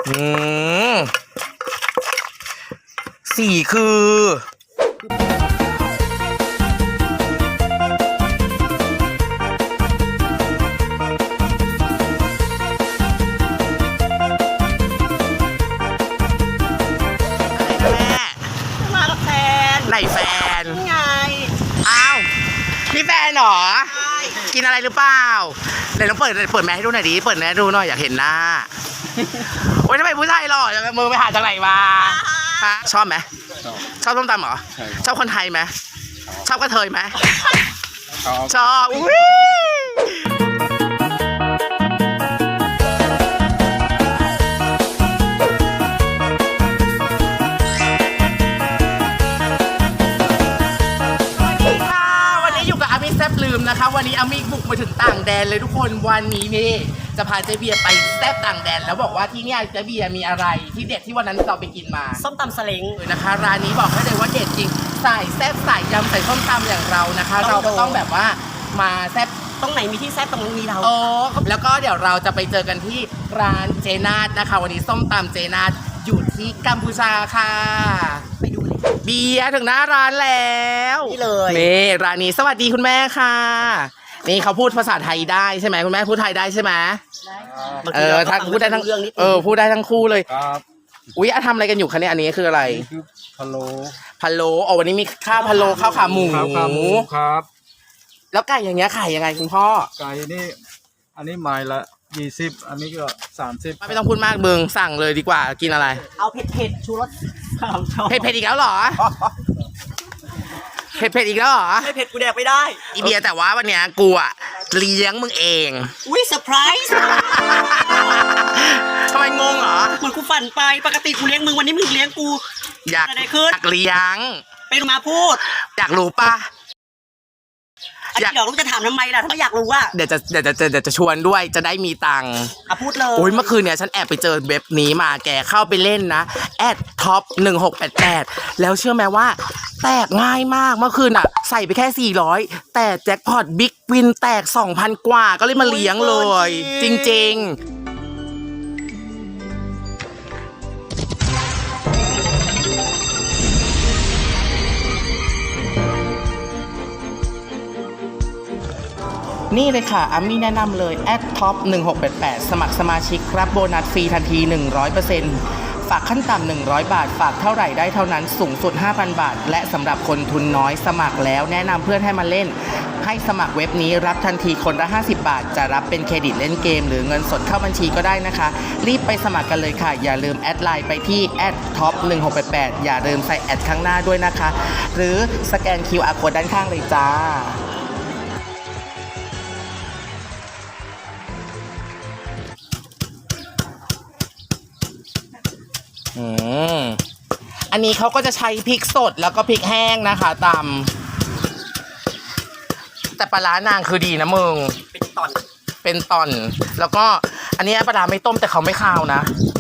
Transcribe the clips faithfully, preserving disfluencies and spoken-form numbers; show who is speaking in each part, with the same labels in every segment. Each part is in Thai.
Speaker 1: อืมสี่คือ
Speaker 2: มากับแฟน
Speaker 1: ไหนแฟน
Speaker 2: ไง
Speaker 1: อ้าวนี่แฟนเหรอ
Speaker 2: ใช่
Speaker 1: กินอะไรหรือเปล่าเดี๋ยวต้องเปิดเปิดแมสให้ดูหน่อยดิเปิดแมสดูหน่อยอยากเห็นหน้าโอ๊ยทำไมผู้ชายหล่อจังมือไปหาจากไหนมาฮะชอบไหมชอบส้มตำเหรอชอบคนไทยไหมชอบกระเทยไหมชอบอุ้ยแซ่บลืมนะคะวันนี้อามิบุกมาถึงต่างแดนเลยทุกคนวันนี้นี่จะพาเจ๊เบียร์ไปแซ่บต่างแดนแล้วบอกว่าที่นี่เจ๊เบียร์มีอะไรที่เด็ดที่วันนั้นเราไปกินมา
Speaker 2: ส้มตำสลิง
Speaker 1: เลยนะคะร้านนี้บอกให้เลยว่าเด็ดจริงใส่แซ่บใส่ยำใส่ส้มตำอย่างเรานะคะเราก็ต้องแบบว่ามาแซ่บ
Speaker 2: ตรงไหนมีที่แซ่บตรงนั้นมีเรา
Speaker 1: โอ้แล้วก็เดี๋ยวเราจะไปเจอกันที่ร้านเจนาดนะคะวันนี้ส้มตำเจนาดอยู่ที่กัมพูชาค่ะ
Speaker 2: ไปดูเลย
Speaker 1: เบียร์ถึงหน้าร้านแล้ว
Speaker 2: นี่เลย
Speaker 1: นี่ร้านนี้สวัสดีคุณแม่ค่ะนี่เขาพูดภาษาไทยได้ใช่ไหมคุณแม่พูดไทยได้ใช่ไหมเออทั้งพูดได้ทั้งเออพูดได้ทั้งคู่เลยครับอุ๊ยทำอะไรกันอยู่คะเนี่ยอันนี้คืออะไร
Speaker 3: คือพะโล้
Speaker 1: พะโล้อ๋อวันนี้มีข้าวพะโล้ข้าวขาหมู
Speaker 3: ข้าวขาหมูครับ
Speaker 1: แล้วไก่อย่างเงี้ยขายยังไงคุณพ่อ
Speaker 3: ไก่นี่อันนี้ไม้ละยี่สิบอันนี้ก็สามสิบ
Speaker 1: ไม่ต้องพูดมากเบิงสั่งเลยดีกว่ากินอะไร
Speaker 2: เอาเผ็ดเผ็ดชูรส
Speaker 1: เผ็ดเผ็ดอีกแล้วเหรอเผ็ดเผ็ดอีกแล้วเหรอ
Speaker 2: ไม่เผ็ดกูแดกไม่ได้
Speaker 1: อีเบียแต่ว่าวันเนี้ยกูอะเลี้ยงมึงเอง
Speaker 2: อุ้ยเซอร์ไพรส์
Speaker 1: ทำไมงงเหรอ
Speaker 2: เหมือนกูฝันไปปกติกูเลี้ยงมึงวันนี้มึงเลี้ยงกู
Speaker 1: อยากอยากเลี้ยง
Speaker 2: ไปดูมาพูด
Speaker 1: อยากรู้ปะ
Speaker 2: อยากรู้จะถามทำไมล่ะถ้าไม่อยากรู้ว่า
Speaker 1: เดี๋ยวจะเดี๋ยวจะเดี๋ยวจะชวนด้วยจะได้มีตังค์
Speaker 2: อ่ะพูดเลย
Speaker 1: โอ้ยเมื่อคืนเนี่ยฉันแอบไปเจอเว็บนี้มาแกเข้าไปเล่นนะแอดท็อปหนึ่งหกแปดแปดแล้วเชื่อไหมว่าแตกง่ายมากเมื่อคืนอ่ะใส่ไปแค่สี่ร้อยแต่แจ็คพอตบิ๊กวินแตก สองพัน กว่าก็เลยมาเลี้ยงเลยจริงๆนี่เลยค่ะอามี่แนะนำเลยแอดท็อปหนึ่งหกแปดแปดสมัครสมาชิกรับโบนัสฟรีทันที หนึ่งร้อยเปอร์เซ็นต์ ฝากขั้นต่ำหนึ่งร้อยบาทฝากเท่าไหร่ได้เท่านั้นสูงสุด ห้าพัน บาทและสำหรับคนทุนน้อยสมัครแล้วแนะนำเพื่อนให้มาเล่นให้สมัครเว็บนี้รับทันทีคนละห้าสิบบาทจะรับเป็นเครดิตเล่นเกมหรือเงินสดเข้าบัญชีก็ได้นะคะรีบไปสมัครกันเลยค่ะอย่าลืมแอดไลน์ไปที่แอดท็อปหนึ่งหกแปดแปดอย่าลืมใส่แอดข้างหน้าด้วยนะคะหรือสแกน คิว อาร์ Code ด้านข้างเลยจ้าอืมอันนี้เขาก็จะใช้พริกสดแล้วก็พริกแห้งนะคะตำแต่ปลาร้านางคือดีนะมึง
Speaker 2: เป็นตอน
Speaker 1: เป็นตอนแล้วก็อันนี้ปลาร้าไม่ต้มแต่เขาไม่คาวนะ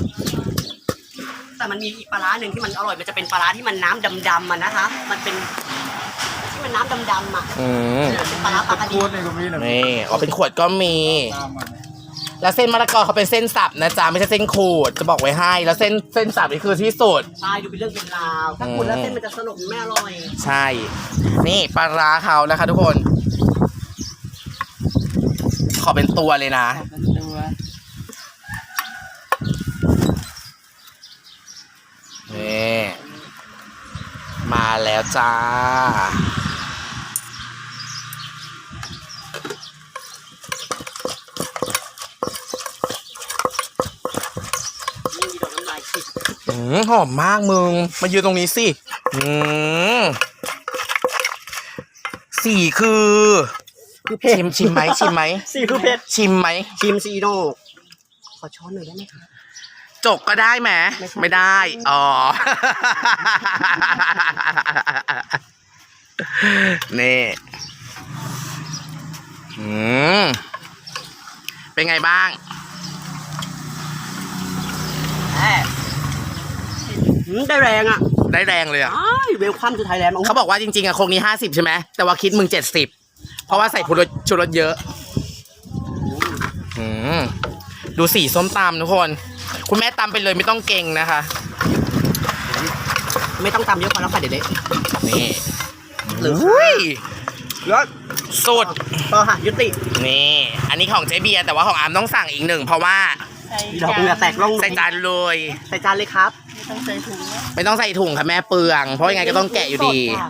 Speaker 2: แต่มันมีอีกปลาร้าหนึ่งที่มันอร่อยมันจะเป็นปลาร้าที่มันน้ำดำๆมันนะคะมันเป็นที่มันน้ำดำๆอ่ะ
Speaker 1: อืม
Speaker 2: เป็นปลาร้าปลากระดี
Speaker 1: นี่อ๋อเป็นขวดก็มีแล้วเส้นมะละกอเขาเป็นเส้นสับนะจ๊ะไม่ใช่เส้นขูดจะบอกไว้ให้แล้วเส้นเส้นสับนี่คือที่สุด
Speaker 2: ใช่ดูเป็นเรื่องเป็นราวถ้าขูดแล้วเส้นมันจะสลบไม่อร่อย
Speaker 1: ใช่นี่ปลาร้าเขานะคะทุกคนขอเป็นตัวเลยนะนี่มาแล้วจ้าอืมหอมมากมึงมายืนตรงนี้สิอืมสี่คือชิมชิมไหมชิมไหม
Speaker 2: สี่คือเผ็ด
Speaker 1: ชิมไหม
Speaker 2: ชิมซีโน่ขอช้อนหน่อยได้ไหมคะ
Speaker 1: จกก็ได้ไหมไม่ได้อ๋อนี่อืมเป็นไงบ้าง
Speaker 2: ได้แรงอ่ะ
Speaker 1: ได้แรงเลยอ่ะ
Speaker 2: เวลคัมทูไทยแลนด์
Speaker 1: เขาบอกว่าจริงๆอ่ะโครงนี้ห้าสิบใช่ไหมแต่ว่าคิดมึงเจ็ดสิบเพราะว่าใส่ชูรสชูรสเยอะอืมดูสีส้มตำทุกคนคุณแม่ตำไปเลยไม่ต้องเก่งนะคะ
Speaker 2: ไม่ต้องตำเยอะพอแล้วค่ะเดี๋ยวเละ
Speaker 1: นี่
Speaker 2: หรือ
Speaker 1: อุ้ย
Speaker 2: แล้ว
Speaker 1: สุด
Speaker 2: ต่อค่ะยุติ
Speaker 1: นี่ อันนี้ของเจ๊เบียร์แต่ว่าของอาร์มต้องสั่งอีกหนึ่งเพราะว่า
Speaker 2: ดอกเหงื่อแตกล่อง
Speaker 1: ใส่จานเลย
Speaker 2: ใส่จานเลยครับ
Speaker 1: ไม่ต้องใส่ถุงค่ะแม่เปลือง เพราะยังไงก็ต้องแกะอยู่ดี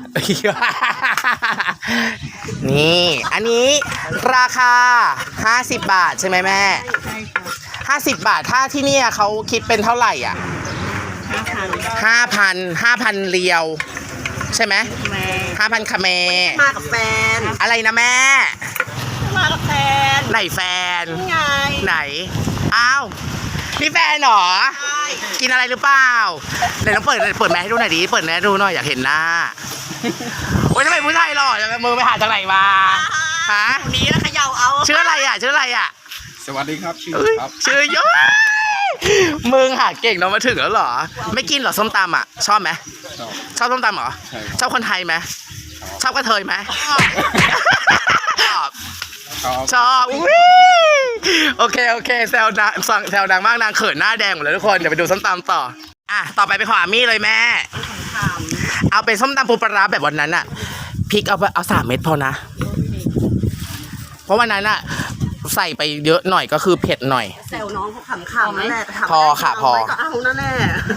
Speaker 1: นี่ อันนี้ราคาห้าสิบบาทใช่ไหมแม่
Speaker 4: ใช่ค่ะ
Speaker 1: ห้าสิบบาทถ้าที่เนี่ยเขาคิดเป็นเท่าไหร่อ่ะ
Speaker 4: ห้าพัน
Speaker 1: ห้าพันห้าพันเรียว ใช่ไหม
Speaker 4: แม่
Speaker 1: ห้าพันคาเม
Speaker 2: มากับแฟน
Speaker 1: อะไรนะแม่
Speaker 2: มากับแฟน
Speaker 1: ไหนแฟน
Speaker 2: นี่ไง
Speaker 1: ไหน อ้าว นี่แฟนเหรอ
Speaker 2: ใช่
Speaker 1: กินอะไรหรือเปล่าเดี๋ยวต้องเปิดเปิดแมสให้ดูหน่อยดิ เปิดแมสให้ดูหน่อยอยากเห็นหน้า โอ้ยทำไมผู้ชายหล่อจังมือไปหาจากไหนมา ฮะ
Speaker 2: คนนี้แล้วเขย่าเอา
Speaker 1: ชื่ออะไรอ่ะ ชื่ออะไรอ่ะ
Speaker 3: สวัสดีครับชื่อ
Speaker 1: เอ้ย
Speaker 3: ครับ
Speaker 1: ชื่อเยอะมึงหาเก่งเนาะมาถึงแล้วเหรอ ไม่กินเหรอส้มตำอ่ะ ชอบไหม
Speaker 3: ชอบ
Speaker 1: ชอบส้มตำเหรอ
Speaker 3: ใช่
Speaker 1: ชอบคนไทยไหม ชอบกระเทยไหมชอบ
Speaker 3: ชอบ
Speaker 1: ชอบอุ้ยโอเคโอเคแซวดังแซวดังมากนางเขินหน้าแดงหมดเลยทุกคนเดี๋ยวไปดูส้มตำต่ออ่ะต่อไปไปขออามี่เลยแม่ เอาเป็นส้มตำปูปลาร้าแบบวันนั้นอะพริกเอาไปเอาสามเม็ดพอนะ เพราะวันนั้นอะใส่ไปเยอะหน่อยก็คือเผ็ดหน่อย
Speaker 2: แซวน้องเขาขำๆนั่นแหละแต่ถาม
Speaker 1: พอค่ะพอ
Speaker 2: เาไว้ก็เอานั่นแหละ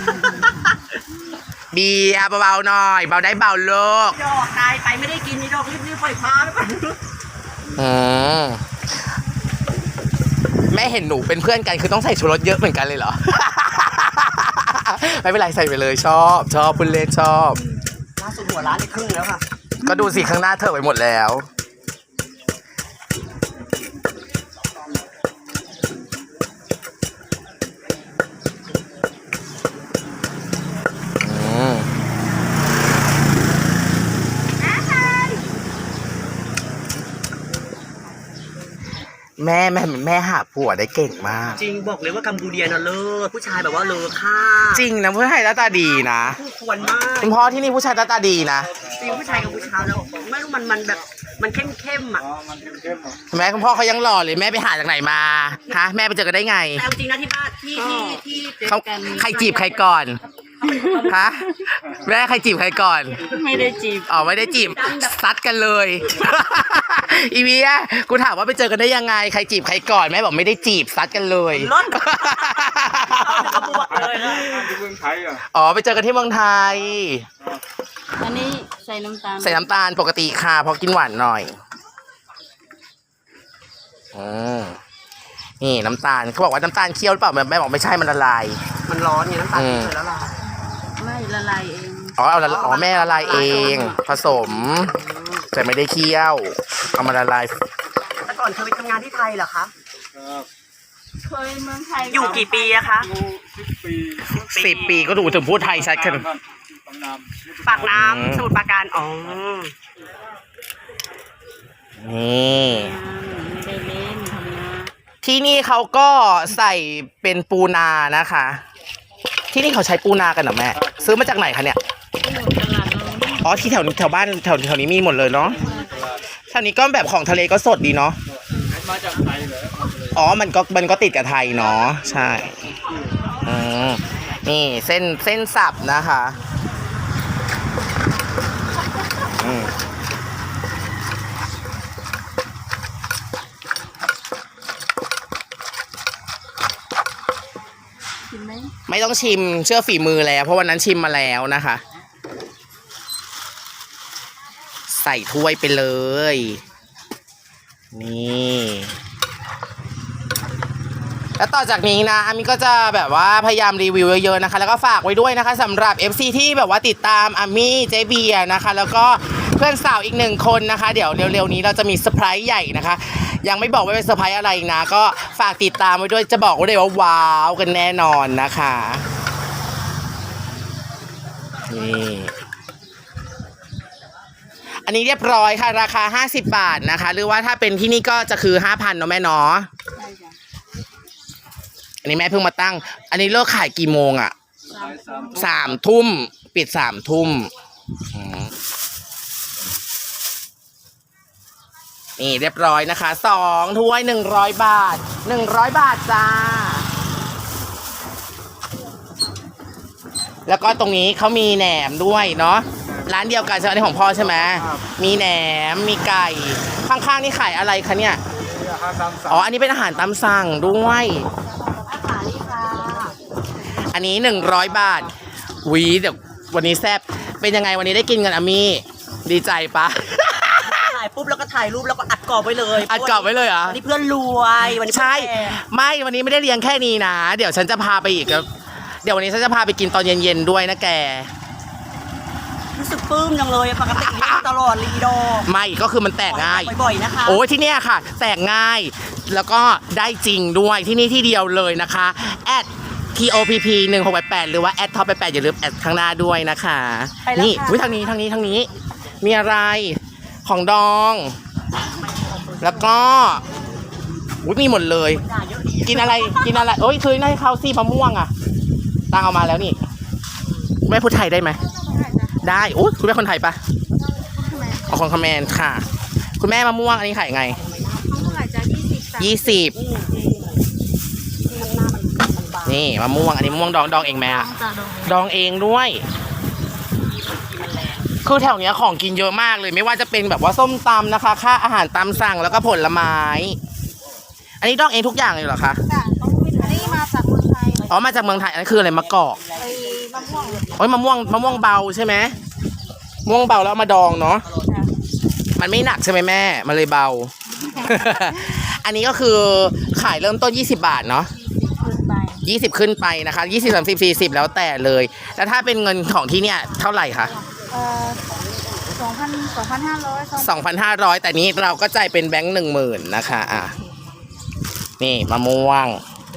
Speaker 1: เบียร์เบาๆหน่อยเบาได้เบาโลก
Speaker 2: ดอกตายไปไม่ได้กินนี่ดอกรีบๆปล่อยพาไปก่อน
Speaker 1: อืมแม่เห็นหนูเป็นเพื่อนกันคือต้องใส่ชูรสเยอะเหมือนกันเลยเหรอ ไม่เป็นไรใส่ไปเลยชอบชอบคุณเล่ชอบ
Speaker 2: ล่าสุดหัวร้านได้ครึ่งแล้วค่ะ
Speaker 1: ก็ดูสิข้างหน้าเธอไปหมดแล้วอืมแม่แม่แม่หาผัวได้เก่งมาก
Speaker 2: จริงบอกเลยว่ากัมพูเดียน่ะเลิศผู้ชายแบบว่าเลอค่า
Speaker 1: จริงนะผู้ชายหน้าตาดีนะ
Speaker 2: คู่ควรมาก
Speaker 1: คุณพ่อที่นี่ผู้ชายหน้าตาดีนะ
Speaker 2: จริงผู้ชายกัมพูชาแล้วไม่รู้มันมันแบบมันเข้มเข้มๆอ่ะ
Speaker 3: อ๋อมันเข้มๆเหรอ
Speaker 1: แม่คุณพ่อเขายังหล่อเลยแม่ไปหาจากไหนมาฮะแม่ไปเจอกันได้ไง
Speaker 2: แต่เอาจริงนะที่บ้านที่ที่ที่เจอ
Speaker 1: เขา
Speaker 2: กัน
Speaker 1: ใครจีบใครก่อนฮะแม่ใครจีบใครก่อน
Speaker 4: ไม่ได้จีบ
Speaker 1: อ๋อไม่ได้จีบซัดกันเลย อีเวียกูถามว่าไปเจอกันได้ยังไงใครจีบใครก่อนแม่บอกไม่ได้จีบซัดกันเลย
Speaker 2: รถเขาบวกเลยนะ
Speaker 3: ที่เมืองไทยอ่ะ
Speaker 1: อ๋อไปเจอกันที่เมืองไทย
Speaker 4: อันนี้ใส่น้ำตาล
Speaker 1: ใส่น้ำตาลปกติค่ะเพราะกินหวานหน่อยอืมนี่น้ำตาลเขาบอกว่าน้ำตาลเคี่ยวหรือเปล่าแม่บอกไม่ใช่มันละลาย
Speaker 2: มันร้อนไงน้ำตาล
Speaker 1: อืม
Speaker 2: เคยแล้วล่ะ
Speaker 4: ไม่ละลายเอง
Speaker 1: อ๋อเอาละอ๋อแม่ละลายเอง ผสมแต่ไม่ได้เคี่ยวเอามาละลาย
Speaker 2: แต่ก่อนเคยไปทำงานที่ไทยเหรอคะ
Speaker 3: ครับ
Speaker 4: เคยเมืองไทย
Speaker 2: อยู่กี่ปีอะคะ
Speaker 3: อยู่สิบปี
Speaker 1: สิบปีก็ดูถึงพูดไทยชัดขึ้น
Speaker 3: ปากน้ำ
Speaker 2: ปากน้ำสมุทรปราการอ๋อ
Speaker 1: นี่
Speaker 4: ไม่ได้เล่นทำงาน
Speaker 1: ที่นี่เขาก็ใส่เป็นปูนานะคะ ที่นี่เขาใช้ปูนากันเหรอแม่ซื้อมาจากไหนคะเนี่ย
Speaker 4: ที่อยู่ตลาดเรา
Speaker 1: อ๋อที่แถวแถวบ้านแถวแถวนี้มีหมดเลยเนาะแถวนี้ก็แบบของทะเลก็สดดีเนาะ
Speaker 3: มาจากไทยเลย
Speaker 1: อ๋อมันก็มันก็ติดกับไทยเนาะใช่อืมนี่เส้นเส้นสับนะคะอืม
Speaker 4: กินไหม
Speaker 1: ไม่ต้องชิมเชื่อฝีมือแล้วเพราะวันนั้นชิมมาแล้วนะคะ ใส่ถ้วยไปเลย นี่ แล้วต่อจากนี้นะอามิก็จะแบบว่าพยายามรีวิวเยอะๆนะคะ แล้วก็ฝากไว้ด้วยนะคะสำหรับ เอฟ ซี ที่แบบว่าติดตามอามี่เจเบียร์นะคะ แล้วก็เพื่อนสาวอีกหนึ่งคนนะคะ เดี๋ยวเร็วๆนี้เราจะมีเซอร์ไพรส์ใหญ่นะคะ ยังไม่บอกว่าเป็นเซอร์ไพรส์อะไรนะ ก็ฝากติดตามไว้ด้วยจะบอกไว้เลยว่าว้าวกันแน่นอนนะคะนี่อันนี้เรียบร้อยค่ะราคาห้าสิบบาทนะคะ หรือว่าถ้าเป็นที่นี่ก็จะคือ ห้าพัน เนาะแม่เนาะ
Speaker 4: ใช่จ้ะ
Speaker 1: อันนี้แม่เพิ่งมาตั้ง อันนี้เลิกขายกี่โมงอะ
Speaker 4: สามสาม
Speaker 1: สามทุ่มปิดสามทุ่มอืมนี่เรียบร้อยนะคะสองถ้วยหนึ่งร้อยบาทหนึ่งร้อยบาทจ้าแล้วก็ตรงนี้เขามีแหนมด้วยเนาะร้านเดียวกันใช่ไหมอันนี้ของพ่อใช่ไหมมีแหนมมีไก่ข้างๆนี่ขายอะไรคะเนี่ย
Speaker 3: นี่อาหารตามสั่ง
Speaker 1: อ๋ออันนี้เป็นอาหารตามสั่งด้วย
Speaker 2: อาหารนี่ค่ะ
Speaker 1: อันนี้หนึ่งร้อยบาทหวีเดี๋ยววันนี้แซ่บเป็นยังไงวันนี้ได้กินกันอามี่ดีใจปะ
Speaker 2: ถ่ายปุ๊บแล้วก็ถ่ายรูปแล้วก็อัดกรอบไว้เลย
Speaker 1: อัดกรอบไว้เลยเหรอ
Speaker 2: วันนี้เพื่อนรวยวันนี้เพื่อน
Speaker 1: ใช่
Speaker 2: แก่
Speaker 1: ไม่วันนี้ไม่ได้เลี้ยงแค่นี้นะ เดี๋ยวฉันจะพาไปอีกแล้วเดี๋ยววันนี้ฉันจะพาไปกินตอนเย็นๆด้วยนะแก
Speaker 2: รู้สึกปลื้มจังเลยปกติเลี้ยงตลอดลีโด
Speaker 1: ไม่ก็คือมันแตกง่าย
Speaker 2: บ่อยๆนะคะ
Speaker 1: โอ้ยที่เนี่ยค่ะ แตกง่ายแล้วก็ได้จริงด้วยที่นี่ที่เดียวเลยนะคะแอด ที โอ พี พี หนึ่งหกแปดแปดหรือว่าแอดท็อปแปดแปดอย่าลืมแอดข้างหน้าด้วยนะคะ
Speaker 2: ไปแล้ว
Speaker 1: นี่
Speaker 2: ค่ะ
Speaker 1: อุ๊ยทางนี้ทางนี้ทางนี้ มีอะไรของดอง แล้วก็อุ๊ยมีหมดเลย
Speaker 2: ด่าเยอะดี
Speaker 1: กินอะไรกินอะไรโอ้ยเคยได้ข้าวซี่มะม่วงอ่ะตังเอามาแล้วนี่แม่พูดไทยได้ไหมได้โอ้ยคุณแม่คนไทยปะอ๋อคนคอมเมนค่ะ คุณแม่มะม่วงอันนี้ขายไง
Speaker 4: เท่าไหร่จ้ะยี่สิบ
Speaker 1: ยี่สิบ
Speaker 2: มันหน้ามันมันบาง
Speaker 1: นี่มะม่วงอันนี้มะม่วงดองดองเองไหมอะ
Speaker 4: จ้ะดอง
Speaker 1: ดองเองด้วย
Speaker 2: มันแรง
Speaker 1: คือแถวเนี้ยของกินเยอะมากเลยไม่ว่าจะเป็นแบบว่าส้มตำนะคะค่าอาหารตามสั่งแล้วก็ผลไม้ อันนี้ดองเองทุกอย่างเลยเหรอคะ
Speaker 4: จ้ะต้องอันนี้มาจากเมืองไทย
Speaker 1: อ๋อมาจากเมืองไทยอันนี้คืออะไรมะกอก
Speaker 4: ไอ้มะม่วง
Speaker 1: โอ้ยมะม่วงมะม่วงเบาใช่ไหมมะม่วงเบาแล้วเอามาดองเนาะ
Speaker 4: จ้ะ
Speaker 1: มันไม่หนักใช่ไหมแม่มันเลยเบา อันนี้ก็คือขายเริ่มต้นยี่สิบบาทเนาะ
Speaker 4: ขึ้นไป
Speaker 1: ยี่สิบขึ้นไปนะคะยี่สิบ สามสิบ สี่สิบแล้วแต่เลย แล้วถ้าเป็นเงินของที่เนี่ยเท่าไหร่คะ
Speaker 4: เอ่อสองพันสองพันห้าร้อยสอง
Speaker 1: สองพันห้าร้อยแต่นี้เราก็จ่ายเป็นแบงค์หนึ่งหมื่นนะคะอ่ะนี่มะม่วง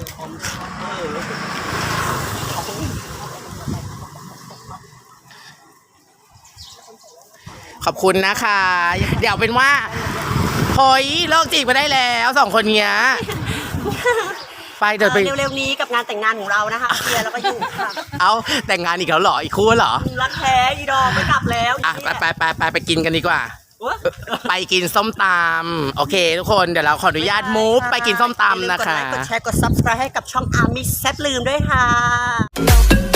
Speaker 1: ขอบคุณนะคะ เดี๋ยวเป็นว่าเฮ้ยเลิกจีบไปได้แล้วสองคนเนี้ยไปเดี๋ยวไป
Speaker 2: เร็วๆนี้กับงานแต่งงานของเรานะคะเคลียร์แล้วก็อยู่ค่ะ
Speaker 1: เอาแต่งงานอีกแล้วเหรออีกคู่เหรอ
Speaker 2: รักแท้อีดอกไม่กลับแล้ว
Speaker 1: อ่ะไปไปไปไปไปกินกันดีกว่า
Speaker 2: โอ๊ย
Speaker 1: ไปกินส้มตำโอเค ทุกคนเดี๋ยวเราขออนุญาตมูฟไปกินส้มตำนะคะ
Speaker 2: อย่าลืมกดไลค์กดแชร์กด ซับสไครบ์ ให้กับช่องอามิแซบลืมด้วยค่ะ